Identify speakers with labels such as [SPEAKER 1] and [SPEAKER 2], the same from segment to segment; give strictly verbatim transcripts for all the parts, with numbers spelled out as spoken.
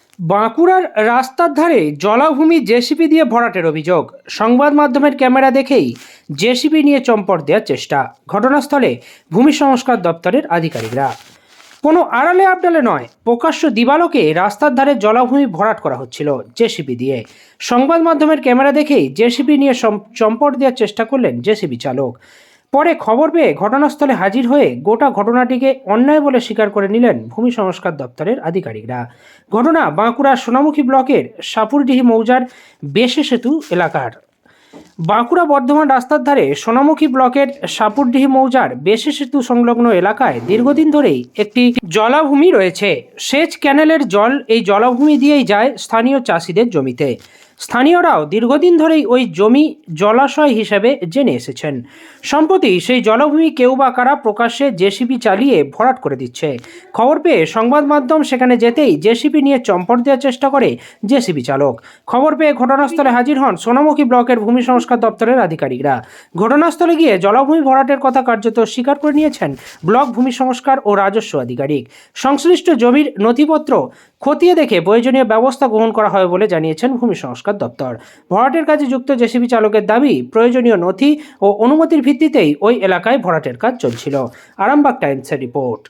[SPEAKER 1] বাঁকুড়ার রাস্তার ধারে জলাভূমি জেসিবি দিয়ে ভরাটের অভিযোগ। সংবাদ মাধ্যমের ক্যামেরা দেখেই জেসিবি নিয়ে চম্পট দেওয়ার চেষ্টা। ঘটনাস্থলে ভূমি সংস্কার দপ্তরের আধিকারিকরা। কোনো আড়ালে আবডালে নয়, প্রকাশ্য দিবালোকে রাস্তার ধারে জলাভূমি ভরাট করা হচ্ছিল জেসিবি দিয়ে। সংবাদ মাধ্যমের ক্যামেরা দেখেই জেসিবি নিয়ে চম্পট দেওয়ার চেষ্টা করলেন জেসিবি চালক। পরে খবর পেয়ে ঘটনাস্থলে হাজির হয়ে গোটা ঘটনাটিকে অন্যায় বলে স্বীকার করে নিলেন ভূমি সংস্কার দপ্তরের আধিকারিকরা। ঘটনা বাঁকুড়ার সোনামুখী ব্লকের সাপুরডিহি মৌজার বেশে সেতু এলাকার। বাঁকুড়া বর্ধমান রাস্তার ধারে সোনামুখী ব্লকের সাপুরডিহি মৌজার বেশে সেতু সংলগ্ন এলাকায় দীর্ঘদিন ধরেই একটি জলাভূমি রয়েছে। সেচ ক্যানেলের জল এই জলাভূমি দিয়েই যায় স্থানীয় চাষিদের জমিতে। স্থানীয়রাও দীর্ঘদিন ধরেই ওই জমি জলাশয় হিসেবে জেনে এসেছেন। সম্প্রতি সেই জলাভূমি কেউ বা কারা প্রকাশ্যে জেসিবি চালিয়ে ভরাট করে দিচ্ছে। খবর পেয়ে সংবাদ মাধ্যম সেখানে যেতেই জেসিবি নিয়ে চম্পট দেওয়ার চেষ্টা করে জেসিবি চালক। খবর পেয়ে ঘটনাস্থলে হাজির হন সোনামুখী ব্লকের ভূমি সংস্কার দপ্তরের আধিকারিকরা। ঘটনাস্থলে গিয়ে জলাভূমি ভরাটের কথা কার্যত স্বীকার করে নিয়েছেন ব্লক ভূমি সংস্কার ও রাজস্ব আধিকারিক। সংশ্লিষ্ট জমির নথিপত্র খতিয়ে দেখে প্রয়োজনীয় ব্যবস্থা গ্রহণ করা হবে বলে জানিয়েছেন ভূমি সংস্কার দপ্তর। ভরাটের কাজে যুক্ত জেসিবি চালকের দাবি, প্রয়োজনীয় নথি ও অনুমতির ভিত্তিতেই ওই এলাকায় ভরাটের কাজ চলছিল। আরামবাগ টাইমসের রিপোর্ট।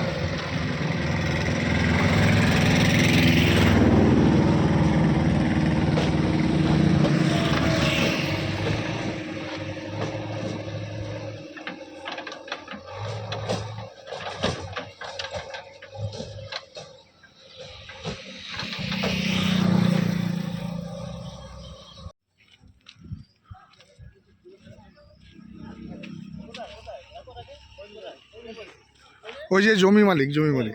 [SPEAKER 2] ওই যে জমি মালিক জমি মালিক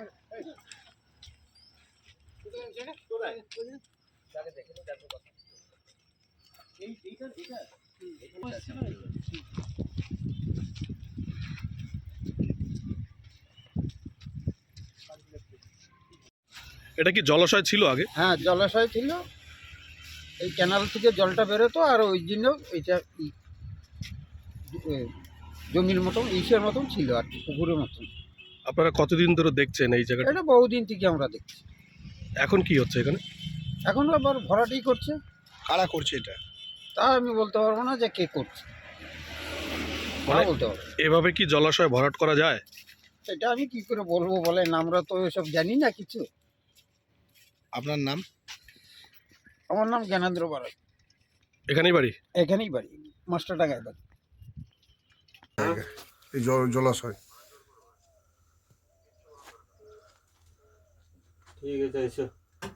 [SPEAKER 3] এটা কি জলাশয় ছিল আগে?
[SPEAKER 4] হ্যাঁ, জলাশয় ছিল। এই ক্যানাল থেকে জলটা বেরোতো, আর ওই জন্য এইটা ই- এ, জমির মতন ইসের মতন ছিল আর কি, পুকুরের মতন।
[SPEAKER 3] আপনারা কতদিন ধরে দেখছেন এই জায়গাটা?
[SPEAKER 4] এটা বহুদিন থেকে আমরা দেখছি।
[SPEAKER 3] এখন কি হচ্ছে এখানে?
[SPEAKER 4] এখন আবার ভরাটি করছে,
[SPEAKER 2] কারা করছে এটা?
[SPEAKER 4] তা আমি বলতে পারবো না যে কে করছে, তা
[SPEAKER 3] মানে
[SPEAKER 4] বলতে পারবো না।
[SPEAKER 3] এভাবে কি জলাশয় ভরাট করা যায়?
[SPEAKER 4] সেটা আমি কি করে বলবো বলেন, আমরা তো এসব জানি না কিছু।
[SPEAKER 2] আপনার নাম?
[SPEAKER 4] আমার নাম জ্ঞানেন্দ্র বাড়াই,
[SPEAKER 3] এখানেই বাড়ি?
[SPEAKER 4] এখানেই বাড়ি, মাস্টার টাকায় বাড়ি।
[SPEAKER 2] এই জ- জলাশয়
[SPEAKER 5] ঠিক আছে, এসো।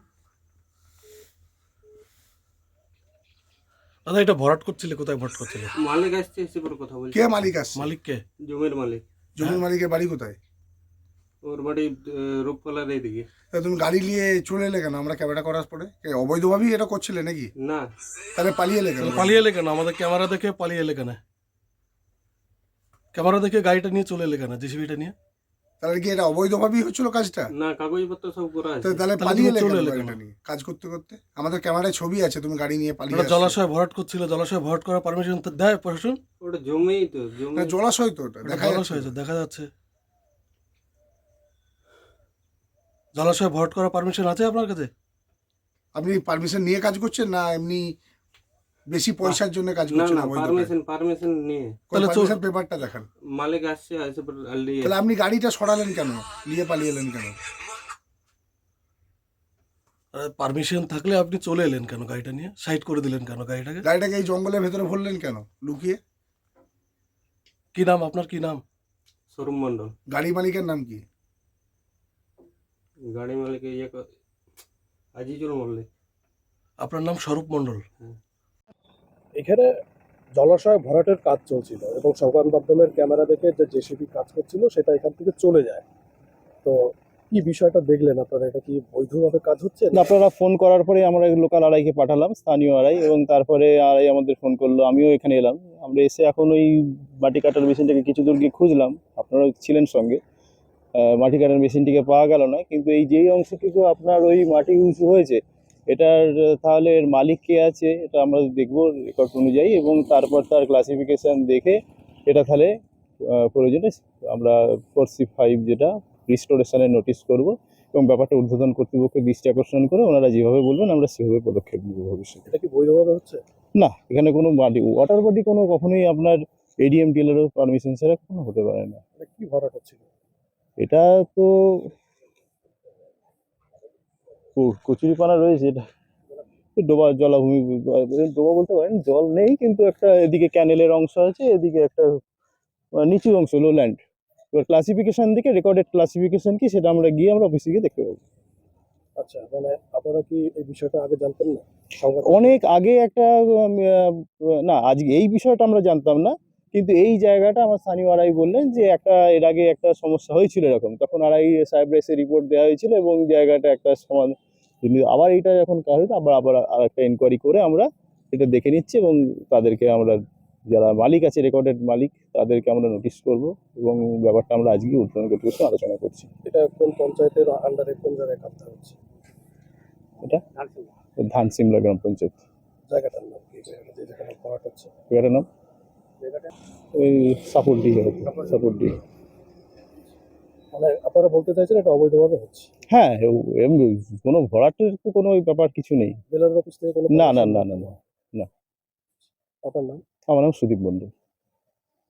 [SPEAKER 3] দাদা, এটা ভরাট করছিলে, কোথায় ভরাট করছিলে?
[SPEAKER 5] মালিক আসছে, এসে পরে কথা বলছি।
[SPEAKER 2] কে মালিক আসছে?
[SPEAKER 3] মালিককে?
[SPEAKER 5] জমির মালিক।
[SPEAKER 2] জমির মালিকের বাড়ি কোথায়?
[SPEAKER 5] ওর বাড়ি আহ, রূপকলার এইদিকে।
[SPEAKER 2] তা তুমি গাড়ি নিয়ে চলে এলে কেন? আমরা ক্যামেরা করার পরে এ, অবৈধভাবেই এটা করছিলে নাকি?
[SPEAKER 5] না,
[SPEAKER 2] তাহলে পালিয়ে এলে কেন?
[SPEAKER 3] তাহলে পালিয়ে এলে কেন? আমাদের ক্যামেরা দেখে পালিয়ে এলে কেন? ক্যামেরা দেখে গাড়িটা নিয়ে চলে এলে কেন, জেসিবিটা নিয়ে?
[SPEAKER 2] তাহলে কি এটা অবৈধভাবেই হচ্ছিল কাজটা?
[SPEAKER 5] না, কাগজপত্র সব করা আছে।
[SPEAKER 2] তো তাহলে
[SPEAKER 3] তাহলে
[SPEAKER 2] পালিয়ে
[SPEAKER 3] তুমি
[SPEAKER 2] এলে
[SPEAKER 3] চলে
[SPEAKER 2] কেন
[SPEAKER 3] এলে
[SPEAKER 2] গাড়িটা
[SPEAKER 3] কেন?
[SPEAKER 2] নিয়ে কাজ করতে করতে? আমাদের ক্যামেরায় ছবি আছে, তুমি গাড়ি নিয়ে পালিয়ে
[SPEAKER 3] এটা
[SPEAKER 2] আসছো।
[SPEAKER 3] জলাশয় ভরাট করছিল, জলাশয় ভরাট করার পারমিশন তো দেয় প্রশাসন?
[SPEAKER 5] ওটা জমিই তো, জমি।
[SPEAKER 2] না, জলাশয় তো ওটা
[SPEAKER 3] এটা
[SPEAKER 2] দেখা
[SPEAKER 3] জলাশয়
[SPEAKER 2] যাচ্ছে।
[SPEAKER 3] আছে, দেখা যাচ্ছে। জলাশয় ভরাট করার পারমিশন আছে আপনার কাছে?
[SPEAKER 2] আপনি পারমিশন নিয়ে কাজ করছেন না এমনি বেশি পয়সার জন্য কাজ
[SPEAKER 5] না
[SPEAKER 2] করছেন?
[SPEAKER 5] না,
[SPEAKER 2] অবৈধ কাজ?
[SPEAKER 5] পারমিশন পারমিশন নিয়ে
[SPEAKER 3] তাহলে চল-
[SPEAKER 2] পারমিশন পেপারটা দেখান।
[SPEAKER 5] মালিক আসছে, আসে পরে নিয়ে।
[SPEAKER 2] তাহলে আপনি গাড়িটা সরালেন কেন? নিয়ে পালিয়ে এলেন কেন?
[SPEAKER 3] পারমিশন থাকলে আপনি চলে এলেন কেন গাড়িটা নিয়ে? সাইড করে দিলেন কেন গাড়িটাকে?
[SPEAKER 2] গাড়িটাকে এই জঙ্গলের ভেতরে ভরলেন কেন লুকিয়ে?
[SPEAKER 3] কি নাম আপনার, কি নাম?
[SPEAKER 5] শোরুম মন্ডল।
[SPEAKER 2] গাড়ি মালিকের নাম কি?
[SPEAKER 5] গাড়ি মালিক ইয়ে ক- আজিজুল মল্লিক।
[SPEAKER 3] আপনার নাম স্বরূপ মণ্ডল।
[SPEAKER 5] হ্যাঁ।
[SPEAKER 3] এখানে জলাশয় ভরাটের কাজ চলছিল এবং সংবাদ মাধ্যমের ক্যামেরা দেখে যে জেসিবি কাজ করছিল সেটা এখান থেকে চলে যায়। তো কি বিষয়টা দেখলেন আপনারা? এটা কি বৈধভাবে কাজ হচ্ছে?
[SPEAKER 6] না, আপনারা ফোন করার পরে আমরা লোকাল আড়াইকে পাঠালাম, স্থানীয় আড়াই, এবং তারপরে আড়াই আমাদের ফোন করলো, আমিও এখানে এলাম। আমরা এসে এখন ওই মাটি কাটার মেশিনটাকে কিছু দূর গিয়ে খুঁজলাম, আপনারাও ছিলেন সঙ্গে। আহ, মাটি কাটার মেশিনটিকে পাওয়া গেল না, কিন্তু এই যেই অংশটুকু আপনার ওই মাটি উঁচু হয়েছে এটার আহ, তাহলে এর মালিক কে আছে এটা আমরা দেখবো রেকর্ড অনুযায়ী, এবং তারপর তার ক্লাসিফিকেশন দেখে এটা তাহলে আহ, প্রয়োজনে আমরা ফোর সি ফাইভ যেটা রিস্টোরেশনের নোটিশ করব, এবং ব্যাপারটা ঊর্ধ্বতন কর্তৃপক্ষের দৃষ্টি আকর্ষণ করে ওনারা যেভাবে বলবেন আমরা সেভাবে পদক্ষেপ নেব ভবিষ্যতে।
[SPEAKER 3] এটা কি বৈধভাবে হচ্ছে?
[SPEAKER 6] না, এখানে কোনো বাড়ি ওয়াটার বডি কোনো কখনোই আপনার এডিএম টিএলেরও পারমিশন ছাড়া কোনো হতে পারে না।
[SPEAKER 3] এটা কি ভরাট হচ্ছিল?
[SPEAKER 6] এটা তো ক- কচুরিপানা রয়েছে, এটা তো ডোবা জলাভূমি, ডোবা বলতে পারেন, জল নেই কিন্তু একটা এদিকে ক্যানেলের অংশ আছে, এদিকে একটা আহ, নিচু অংশ লো ল্যান্ড। এবার ক্লাসিফিকেশন দিকে রেকর্ডেড ক্লাসিফিকেশন কি সেটা আমরা গিয়ে আমরা অফিসে গিয়ে দেখতে পাবো।
[SPEAKER 3] আচ্ছা, মানে আপনারা কি এই বিষয়টা আগে জানতেন না? সংবাদ
[SPEAKER 6] অনেক আগে একটা উম, আহ, না আজকে এই বিষয়টা আমরা জানতাম না, কিন্তু এই জায়গাটা আমার স্থানীয় আড়াই বললেন যে একটা এর আগে একটা সমস্যা হয়েছিল এরকম, তখন আড়াই সাহেব এসে রিপোর্ট দেওয়া হয়েছিল এবং জায়গাটা একটা সমান, কিন্তু আবার এটা যখন কাজ হতো আবার আবার আর একটা এনকোয়ারি করে আমরা এটা দেখে নিচ্ছি এবং তাদেরকে আমরা, যারা মালিক আছে রেকর্ডেড মালিক, তাদেরকে আমরা নোটিশ করব এবং ব্যাপারটা আমরা আজকে উদ্বোধন করতে আলোচনা করছি।
[SPEAKER 3] এটা কোন পঞ্চায়েতের আন্ডারে কোন জায়গায় কাজটা হচ্ছে?
[SPEAKER 6] এটা ধান সিমলা গ্রাম পঞ্চায়েত,
[SPEAKER 3] জায়গাটার নাম কি? জায়গাটা যে যেখানে ভরাট হচ্ছে
[SPEAKER 6] জায়গাটার নাম
[SPEAKER 3] জায়গাটা
[SPEAKER 6] ওই সাপোর্ট ডি, সাপোর্ট ডি।
[SPEAKER 3] মানে আপনারা বলতে চাইছেন এটা অবৈধভাবে হচ্ছে?
[SPEAKER 6] হ্যাঁ, ও- এমনি কোনো ভরাটের তো কোনো ওই ব্যাপার কিছু নেই।
[SPEAKER 3] জেলার অফিস থেকে কোনো
[SPEAKER 6] না না
[SPEAKER 3] permission
[SPEAKER 6] না
[SPEAKER 3] নেই?
[SPEAKER 6] না না,
[SPEAKER 3] আপনার নাম?
[SPEAKER 6] আমার নাম সুদীপ মন্ডল।